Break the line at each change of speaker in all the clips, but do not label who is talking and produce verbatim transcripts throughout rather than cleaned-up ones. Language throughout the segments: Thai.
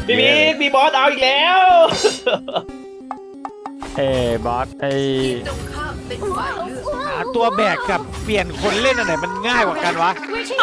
พี่มิกมีบอสเอาอีกแล้ว
เอ้บอสไอ้
ตรงข้ามเป็นฝ่ายเลือก
หาตัวแบกกับเปลี่ยนคนเล่นอันไหนมันง่ายกว่ากันวะ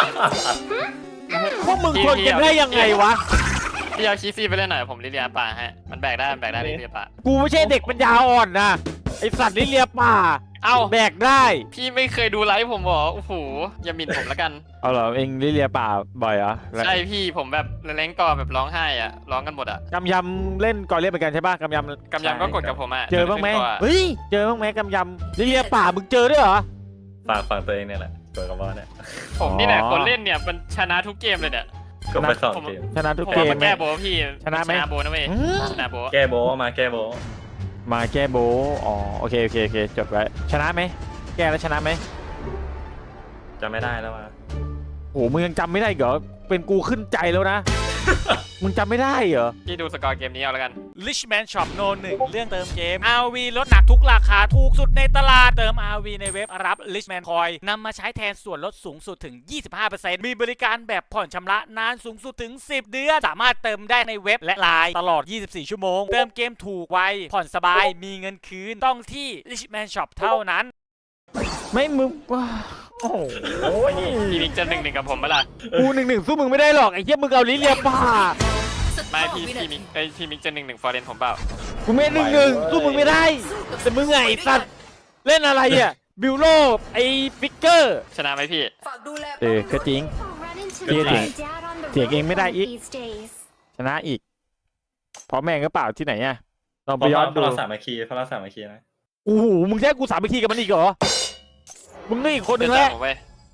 พวกมึงทนกันได้ยังไงวะ
พี่เอาคีซี่ไปเล่นหน่อยผมลิเลียป่าให้มันแบกได้มันแบกได้ลิเลียป่า
กูไม่ใช่เด็กปัญญาอ่อนนะไอสัตว์ลิเลียป่า
เอ้า
แบกได้
พี่ไม่เคยดูไลฟ์ผมเหรอโอ้โหอย่าหมิ่นผมแล้วกัน
เอาเหรอเองลิเลียป่าบ่อยเหรอ
ใช่พี่ผมแบบเล้งกอแบบร้องไห้อะร้องกันหมดอะ
กำยำเล่นก่อนเล่นเหมือนกันใช่ป่ะกำยำ
กำยำก็กดกับผมอะ
เจอบ้างไหม
ขึ้นก่อน
เฮ้ยเจอบ้างไหมกำยำลิเลียป่ามึงเจอด้วยเหรอ
ฝากฟังตัวเองเนี่ยแหละตัวกับบอสเนี่ย
ผมนี่แหละ
อ๋อ
คนเล่นเนี่ยมันชนะทุกเกมเลยเนี่ย
ก็ไปสองเกม
ชนะทุก
ผม
เก
ว่าม มัน
ไหม
แก้โบพี่
ชนะไหม
ชนะโบนะเว้ย
อืม
ชนะโบ
แก้โบะมาแก้โบะ
มาแก้โบะอ๋อโอเคโอเคโอเคจดไว้ชนะไหมแก้แล้วชนะไหม
จำไม่ได้แล้วว่ะ
โหมึงยังจำไม่ได้เหรอเป็นกูขึ้นใจแล้วนะ มึงจำไม่ได้เหรอ
พี่ดูสกอร์เกมนี้เอาแล้วกัน
Richman Shop โนหนึ่งเรื่องเติมเกม อาร์ วี ลดหนักทุกราคาถูกสุดในตลาดเติม อาร์ วี ในเว็บรับ Richman Coin นำมาใช้แทนส่วนลดสูงสุดถึง ยี่สิบห้าเปอร์เซ็นต์ มีบริการแบบผ่อนชำระนานสูงสุดถึง สิบ เดือน สามารถเติมได้ในเว็บและไลน์ตลอด ยี่สิบสี่ ชั่วโมง เติมเกมถูกไว ผ่อนสบาย มีเงินคืน ต้องที่ Richman Shop เท่านั้น
ไม่มึงว้าโอ้โห
พี่มิกจะหนึ่งหนึ่งกับผมเปะล่า
กูหนึ่งหนึ่งสู้มึงไม่ได้หรอกไอ้เหี้ยมึงเอาลิ้นเลียป่า
ไม่พี่พี่มิกเอ้ยพี่มิกจะหนึ่งหนึ่งฟอร์เรนผมเปล่า
กูไม่หนึ่งหนึ่งสู้มึงไม่ได้ แต่มึงไงไอ้สัตว์เล่นอะไรอ่ะบิวโลไอ้ฟิกเกอร์
ชนะไหมพี่
ฝากดูแล
เออก็จริง
เสียงเสียงเองไม่ได้อีก
ชนะอีกเพราะแม่งก็เปล่าที่ไหนอ่ะลอง
เพ
ไป
ราะ
ย้อน
เพ
ดู
ราะเราสามัคคีเพราะเราสามัคคีนะ
โอ้โหมึงแค่กูสามัคคีกับมันอีกเหรอมึงนี่อีกคนหนึ่งแล้ว
ผมเว้ย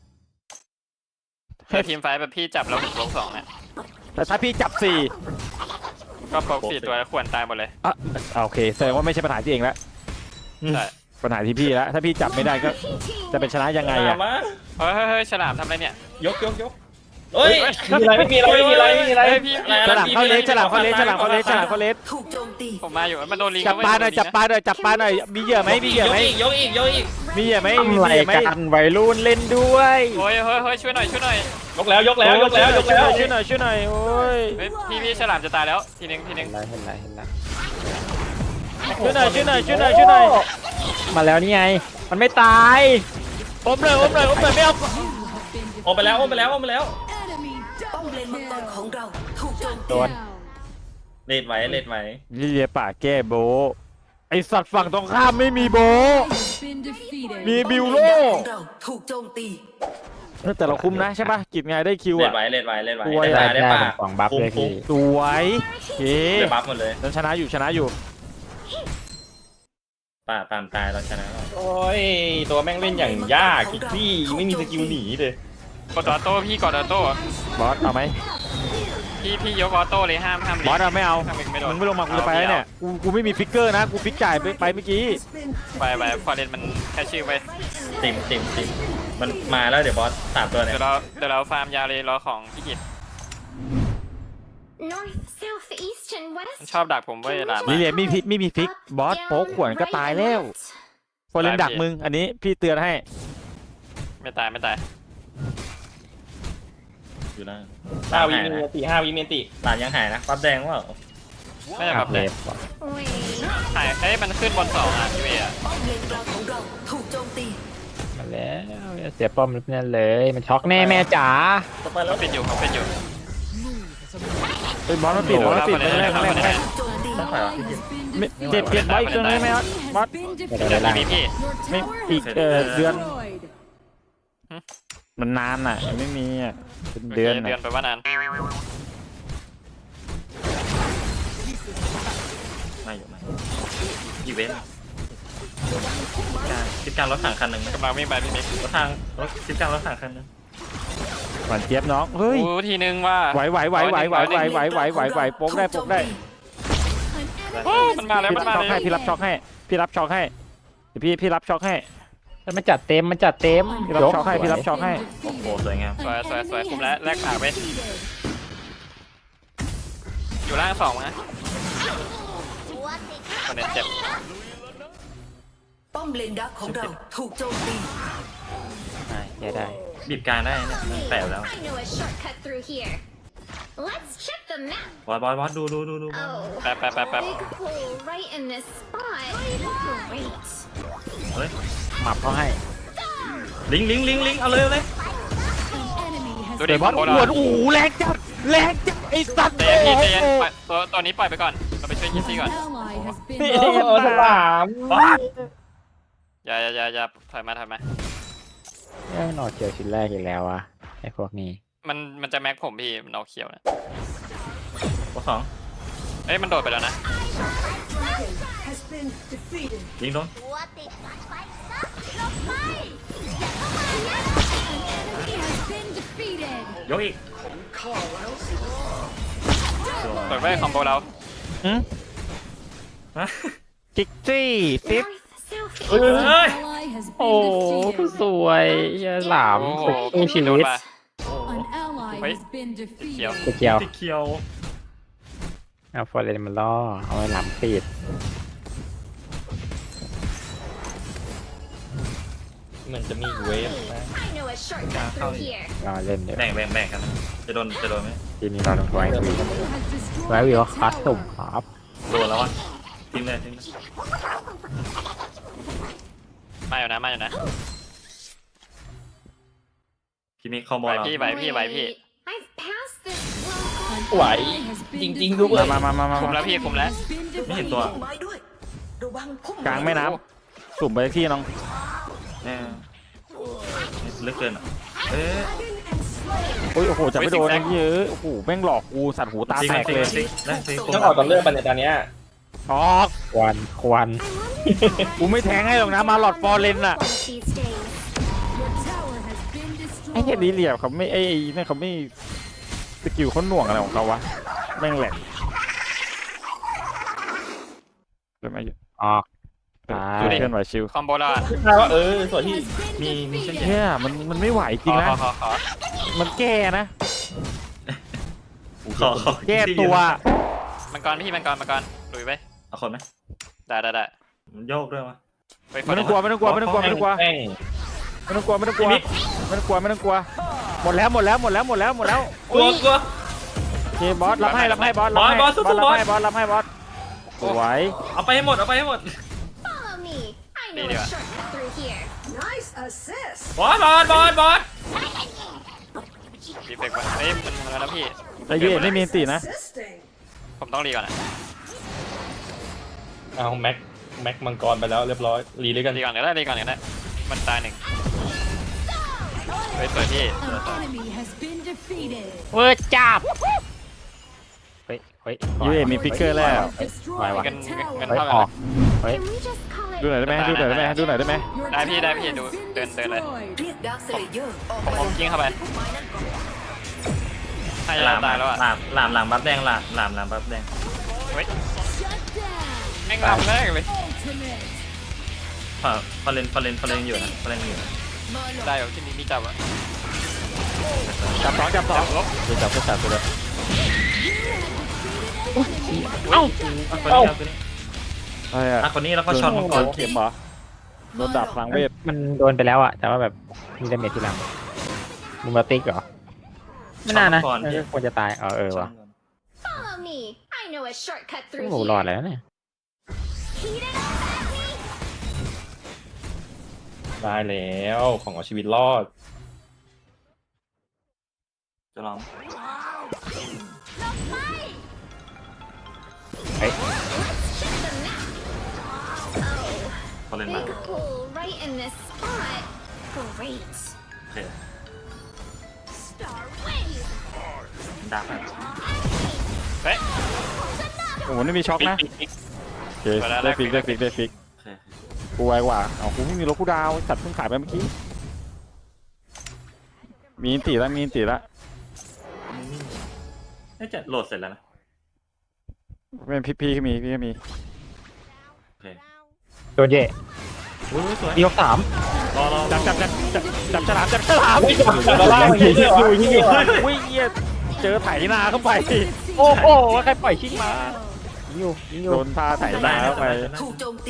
ถ้าทีมไฟท์แบบพี่จับแล้วผมลงสองเนี่ย
แต่ถ้าพี่จับสี่
ก็ปกสี่ตัวแล้วควรตายหมดเลย
อ่ะอ่ะโอเคแสดงว่าไม่ใช่ปัญหาที่เองแล้ว
ใช่
ปัญหาที่พี่แล้วถ้าพี่จับไม่ได้ก็จะเป็นชนะยังไงอ่ะ
มา
เฮ้ยเฮ้ยเฮ้ยฉลามทำอะไรเนี่ย
ยกยกยกเฮ้ยไม่มีอะไรไม่มีอะไรไม่มีอะไร
เฮ้
ไม่
ย
มี
พี่
อะไร
ฉลามเข้าเลสฉลามเข้าเลสฉลามเข้าเลสฉลามเข้าเลส
ถูกโจมตี
ผมมาอยู่มันโดนลิง
จับปลาหน่อยจับปลาหน่อยจับปลาหน่อยมีเหยื่อไหมมีเหยื่อไหม
ยกอีกยกอีก
มีเหยื่อไหมมีเหยื่อไหมวัยรุ่นเล่นด้วย
โอ้ยเฮ้ยเฮ้ยช่วยหน่อยช่วยหน่อย
ยกแล้วยกแล้วยกแล้วยกแล้ว
ช่วยหน่อยช่วยหน่อยโอ้ย
เฮ้ยพี่พี่ฉลามจะตายแล้วทีนึงทีนึง
เห็นไรเห็นไรช่วยหน่อยช่วยหน่อยช่วยหน่อยช่วยหน่อยมาแล้วนี่ไงมันไม่ตายอมเลยอมเลยอมเลยไม่เอา
โอไปแล้วโอไปแล้วโอไปแล้ว
ป้อมเลนมังกรของเราถูกโจม
โด
ตี
น
เลดไว้เลดไว้
ลิเลียป่าแก้โบไอสัตว์ฝั่งตรงข้ามไม่มีโบมีบิวโล
ของเราถูกโจมตี
แต่เราคุ้มนะใช่ป่ะกิจไงได้คิว
เลด
อ่ะ
ไว้เลดไว้เลดไว้
ตัว
ได้ป่ะได้ป่ะ
ของบัฟเลยพี่
สวยเฮ้
ได้บัฟหมดเลย
ฉันชนะอยู่ชนะอยู่
ป่าตามตายเราชนะ
โอ้ยตัวแม่งเล่นอย่างยากคิกซี่ไม่มีสกิลหนีเลย
กดออโต้พี่กดออโต้
บอสเอาไหม
พี่พี่ยกออโต้เลยห้ามห้ามลิ
บอสเอาไม่เอา
ห้ามลิงไม่โดน
มึงไม่ลงมากูจะไปแล้วเนี่ยกูกูไม่มีฟิกเกอร์นะกูฟิกจ่ายไปไปเมื่อกี้
ไปไปฟอร์เรนมันแค่ชื่อไป
ติมติมติมมันมาแล้วเดี๋ยวบอสสามตัวเนี่ย
เดี๋ยวเราเดี๋ยวเราฟาร์มยาวเลยรอของพี่กิตมันชอบดักผมเว้ยหลาน
ลิเลียไม่พิไม่มีฟิกบอสโป๊กขวนก็ตายแล้วโฟเลนดักมึงอันนี้พี่เตือนให้
ไม่ตายไม่ตาย
อยู่ล่าง
ห้าวิ
หาย
เม
นะ
นติห้าวิเมนติ
หลานยังหายนะปั๊บแดงว่า
ไม่ใช่ครับ
เล
เลย
ฟ
หายเอ้ยมันขึ้นบนสองอ่ะยูเออะ
ป้อมเลนกลางของเราถูกโจมตี
มาแล้วเสียป้อมนั่นเลยมันช็อกแน่แม่จ๋า
ต่อไปแล้
เขา
ว
ปิดอยู่เขาปิดอยู่
เฮ้ยบอสมันปิดบอสมันปิดไม่ได้ไม่ได้ไม่ได้
โจมตี
ต้องถอยออกพี่กิน
ไม่เจ็บเจ็บบอสอีกตัวนึงได้ไหมบอสบอส
เดี๋ยว
เดี๋
เดี๋
ย
ยว วล่าง
พี่พี่
ไม่อีกเออเดือนมันนานอ่ะไม่มีอ่ะเป็นเดือน
เดือน
อ่ะ
ไปว่านาน
มาอยู่มาอีเวนต์การคิดการรถถังคันหนึ่ง
กำลังวิ่งไปพี่มิก
รถทางรถคิดการรถถังคันหนึ่ง
หวานเจี๊ยบน้องเฮ้ย
โอ้ทีนึงว่า
ไหวไหวไหวไหวไหวไหวไหวไหวไหวไหวโป๊กได้โป๊กได้
โอ้มันมาแล้ว
พี่
มัน
รับ
มา
ช็อก
แล้
ให้
ว
พี่รับช็อกให้พี่รับช็อกให้เดี๋ยวพี่พี่รับช็อกให้
แล้วมันจัดเต็มมันจัดเต็ม
พี่รับช็อกให้พี่รับช็อกให้
โอ้โหสวยงาม
สวยสวยสวยคุมแล้วแลกขาไปอยู่ล่างสองนะคนเน็ตเจ็บ
ป้อมเลนดักของเราถูกโจมตี
ได้ได้
บีบการได้เนี่ยมันแปลแล้ว
I know a shortcut through here. Let's check the them now.
บอสบอสบอสดูดูดูดู
Oh,
แป๊บแป๊บแป๊บแป๊บ
big hole right in this spot. Great.
เฮ้ย
หมับเขาให้
ลิงลิงลิงลิงเอาเลยเอาเลย
ดู
เดี๋
ดิ
ยวบอส
โค
อ้วนโอ้โหแรงจัดแรงจัดไอ้สัตว์
ใจเย็นพี่ใจเย็นปล่อยตัวตัวนี้ปล่อยไปก่อนเราไปช่วยยีซี่ก่อน
นี่
เออฉลาม
อย่าอย่าอย่าอย่าถอยมาถอยมา
เอ้ยนอเจอชิ้นแรกอีกแล้วอะไอ้พวกนี้
มันมันจะแม็กผมพี่มันเอาเขียวนะ
บอสสอง
เอ้ยมันโดดไปแล้วนะ
has been defeated
ยิงโดน
What the fuck?
ยกอีก
เปิดไว้คอมโบเรา
ฮะ
จิกซี่ซิป
เฮ้ย
โอ้สวยเหี้ยหลาม
โอ้โห
สู้ชีวิต
เฮ้ยเขียว
ตะเกียว
ติเขียว
เอาฟอร์เรนมาล่อเอาไว้หลามปิด
เหมือนจะมีเวฟนะ
I know a shortcut through here.
รอเล่นเดี๋ยว
แบ่งแบ่งแบ่งกันนะจะโดนจะโดนไหม
ทีนี้เราต้องไว้วีไว้วีว่าคัสตุ่มครับ
โดนแล้วอ่ะทิ้งเลยทิ้งเลย
มาอยู่นะมาอยู่นะ
ทีนี้คอมโบ
ไหว
เรา
พี่ไหวพี่ไหวพี่
I've passed this well.
ไหวจริงๆด้วย
มามามามา
คุม
มา
แล้วพี่คุมแล้ว
ไม่เห็นตัว
พุ่มไม้ด้วยระวังพุ่ม
กลางแม่น้ำสุ่มไปที่น้อง
แน่ลึกเกินอ่ะเอ๊ะ
โอ้ยโอ้โหจับไม่โดนไอ้เหี้ยอะโอ้โหแม่งหลอกกูสัตว์หูตา
จริง
แตก
จริง
เลย
จริงนะจริง
ต้องออกตอนเลือกบันในตอนเนี้ย
ออก
ควันควัน
กูไม่แทงให้หรอกนะมาหลอดฟอร์เรนอะ
One of these days.
ไอ้เหี้ยดีเหลี่ยมเขาไม่ไอ้ไอ้นี่เขาไม่สกิลเขาหน่วงอะไรของเขาวะแม่งแหลกเดี๋ยวมาอยู่
ออก
เพื่อนไหวชิว
คอมโบเราอะ
ใช่ว่าเออส่วนที่
มีมีเช่น
เฮียมันมันไม่ไหวจริง
ขอ
นะ
ขอขอขอ
มันแก้นะ
ขอขอ
แก้ตัว
มังกรพี่มังกรมังกรลุยไป
เอาคนไหม
ได้ได้ได้
มันโยกด้วยวะ
ไป
ไม่ต้องกลัวไม่ต้องกลัวไม่ต้องกลัวไม่ต้องกลัว
แป้ง
ไม่ต้องกลัวไม่ต้องกลัวไม่ต้องกลัวไม่ต้องกลัวหมดแล้วหมดแล้วหมดแล้วหมดแล้วหมดแล้ว
กลัวกลัว
โอเคบอสรับให้รับให้บอสรับให้
บอสบอสสู้ๆ
รับให้บอสรับให้บอสสวย
เอาไปให้หมดเอาไปให้หมด
Follow me. I know a shortcut through here.
nice assist
บอสบอสบอสบอส
รีเฟกไว้เอ้ยมันทำแล้วนะพี่
ไอ้เหี้ยไม่มีอันตีนะ
assisting
ผมต้องรีก่อนอะ
เอาแม็กแม็กมังกรไปแล้วเรียบร้อยรีเลยกัน
รีก่อนก็ได้รีก่อนก็ได้มันตายหนึ่งเฮ้ยสวยพี่
เวอร์จับเฮ้ยเฮ้ย
ยูเอมีฟิกเกอร์แล้ว
ไหววะ
เงินเงิน
เฮ้ย
เท่า
อ
กั
อน กเฮ้ย
Can we just call it?
ดูหน่อยได้ไหมดูหน่อยได้ไหมดูหน่อยได้ไหม
ได้พี่ได้พี่ดูเดินเดินเลย
เรียกดาร์คสเลเยอร์ออก
ผม
มา
ผมยิงเข้าไป
พุ่มไม้นั่นก่อน
ให้
หลา
เรา
ม
ตายแล้วอะ
หลามหลามหลามบัฟแดงหลามหลามหลามบัฟแดง
เฮ้ยแม่งลำแรกเลย
พอพอเลนพอเลนพอเลนอยู่นะพอเลนอยู่นะ
ได้เหรอที่นี่มีจับอะ
จับสองจับสอง
ดูจับก็จับไปเลย
เอ้าคนนี้เอาคนนี้
อะไรอะ
อ่ะคนนี้แล้วก็ช็อตมังกร
เข็มเหรอโดนดับพลังเวท
มันโดนไปแล้วอะแต่ว่าแบบมีดาเมจที่หลังมูมาติกเหรอไม่น่านะเออควรจะตายเออเออวะ
Follow me. I know a shortcut
โอ้
through
โห
here.
รอดแล้วเนี่ย
Heat it up, baby.
ได้แล้วของเอาชีวิตรอด
จะลอง
เฮ้ย
Check them now.
พอเลน
Oh,
มา
big hole right in this spot. Great.
โอเค
Star wave.
ดักไป
เฮ้ย
โอ้โหนี่มีช็อกนะโอเคได้ฟิกได้ฟิกได้ฟิก
โอเค
กูไวกว่าเอากูไม่มีรถกูดาวสัตว์เพิ่งขายไปเมื่อกี้มีอินตีแล้วมีอินตีแล้ว
น่าจะโหลดเสร็จแล้วนะ
เป็นพี่พี่ก็มีพี่ก็มี
โอเค
โดนเย่
อุ้ยสวย
ดียกสาม
รอรอ
จับจับจับจับจับฉลามจับฉลาม
แล้วล่างมัน
ยิ
เย
ง
อะ
อยู่ยิงอยู่
วะ
อุ้ยเหี้ยเจอไถนาเข้าไป
โอ้โหใครปล่อยชิงมายิงอยู่ยิงอยู่
โดนพาไถนาเข้าไป
ถูกโจมตี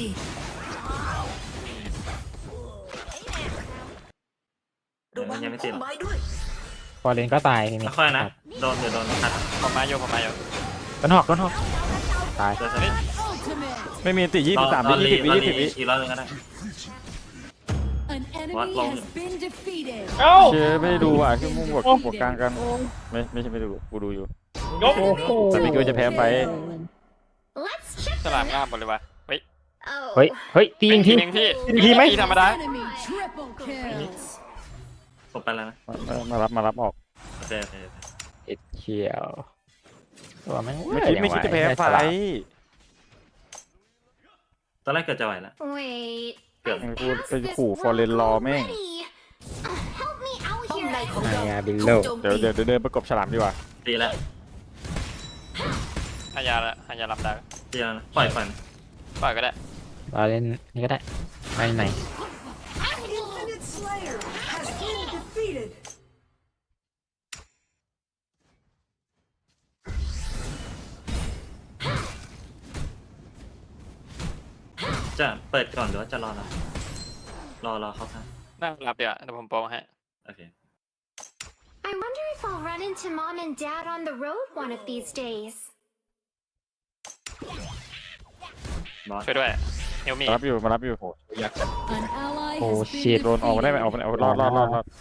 ระวัง
ยังไม่ติ
พุ่
ด
ม
หรอ
ไม้ด้วย
อเลนก็ตายทีนี้
ค่อยๆนะโดนเดี๋ยวโดนขัด
ผมมาโยผมมาโย
ต้นหอกต้นหอกตาย
เดี๋ยวจะได้
ไม่มีติยี่สิบสาม
ร
วิ
อ
ยี่สิบวิ
รอ
ยี่สิบวิ
อีกรอบนึงก็ได้
An enemy
What long?
has been defeated.
เอ้า
เชื่อไม่ได้ดูอ่ะคือมุ่งบวกบวกกลางกันไม่ไม่ใช่ไม่ดูกูดูอยู่
ยก
แต่ไม่คิดว่าจะแพ้ไป
Let's check
ฉลามงามหมดเลยวะเฮ้ย
Oh.
เฮ้ยเฮ้ยตียิงที
เองพี่
ตีทีไหม
พี่ธรรมดา
Enemy triple kill.
ผมไปแล้วนะ
มามารับมารับออก
โอเคโอเคโอเค
เอ็ดเขียวตัวแม่ง
ไม่คิดไม่คิดจะแพ้ไฟ
ตอนแรกเกิดจะไหวแล้ว
Wait.
Good.
I've
กู
asked
เป็น
this
ขู่ฟอร์เรนรอ
once
แม่ง
already. Uh, help me out
ป้อม
here.
ในของ
ไอ้
เรา
ยาบิล
ถู
โล
กโจม
เดี๋ยว
ตี
เดี๋ยวเดี๋ยวเดินประกบฉลามดีกว่า
ตีแล้ว
หายาละหายาลำดา
ตีแล้วนะปล่อยปล่อย
ปล่อยก็ได้
เราเล่นนี่ก็ได้ไปไหน
Infinite Slayer has been defeated
จะเปิดก่อนหรือว่าจะรอเรารอรอเข้าข้าง
นั่งรับเดี๋ยวเดี๋ยวผมโปรให้
โอเค
I wonder if I'll run into mom and dad on the road one of these days.
บอส
ช่วยด้วยเฮลมี่
มารับอยู่มารับอยู่
An ally
โอ้
has
ชิ
been
ต
โดนออกมาได้ไหมออกมาได้เอารอดรอดรอดรอด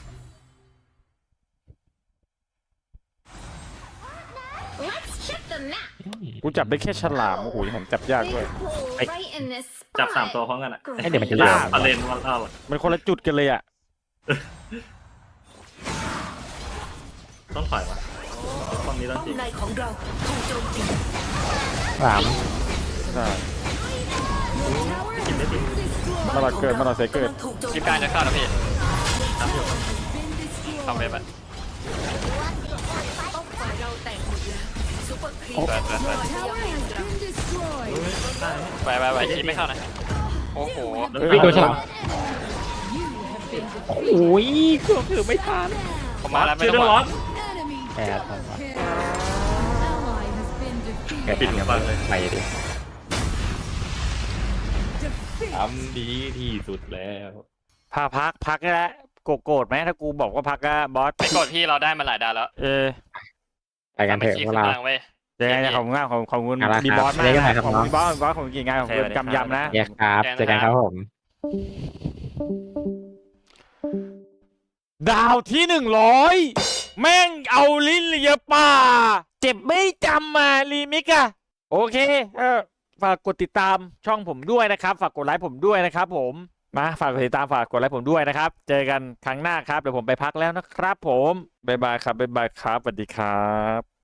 Let's check the map.
กูจับได้แค่ฉลามโอ้โหผมจับยาก
Big
ด้วย
hole
Hey.
right in this
จับสาม
spot.
ตัวพร้อมกันอ่ะ
ให้เดี๋ยวมันจะ
ล่า
ล่า
ปลาเลนว่าเล่า
มันคนละจุดกันเลยอ่ะ
ต้องถอยวะป้อมนี้ต้อง
ป้อม
จริง
ในของเราถูกโจมตี
สาม
ใช่
tower has been destroyed.
มาหลอดเกิดมาหลอดเซเกิด
กำลังถูกโจม
คลิป
ตี
กลางจะเข้าแล้วพี่
ครับอยู่
Been
ทำเว็บ
destroyed.
อะ
ฝ่ายเราแตกหมดแล้วซุปเปอร์ครีม
เปิดเปิดเปิด
Tower has been destroyed.
ไปไปไปคลิปไม่เข้านะโอ้โห
เฮ้ยโดนฉลาม
You have been
โอ้ยก็คือไม่ทัน
ผมมาแล้วไม่
ชื่อ
ต้
เรื่
อ
อง ง
ห่
ร้
ว
อง น
enemy
Yeah,
double
that's
kill. Ally has been
แก
defeated.
ปิดเงี้ยไปดิ
ทำดีที่สุดแล้ว
พาพักพักนี่แหละโกรธโกรธไหมถ้ากูบอกว่าพักอะบอส
ไม่กดพี่เราได้มาหลายดาวแล้ว
เออ
ไปกันเถอะ
สามัคคี
พวก
ขึ้น
เรา
พลังเว้ย
ยังไงขอบคุณมากของของคุณ
เอาละครับ
ดีบอสมาก
เรียกกันใหม่ครับ
ของ
น้อง
ดีบอสบอสของกี่งานของคุณกำยำนะ
แยกครับเจอกันครับผม
ดาวที่หนึ่งร้อยแม่งเอาลิ้นเลียป่า เจ็บไม่จำมารีมิกอะโอเคเออฝากกดติดตามช่องผมด้วยนะครับ ฝากกดไลค์ผมด้วยนะครับผมมาฝากกดติดตามฝากกดไลค์ผมด้วยนะครับ เจอกันครั้งหน้าครับเดี๋ยวผมไปพักแล้วนะครับผมบ๊ายบายครับบ๊ายบายครับสวัสดีครับ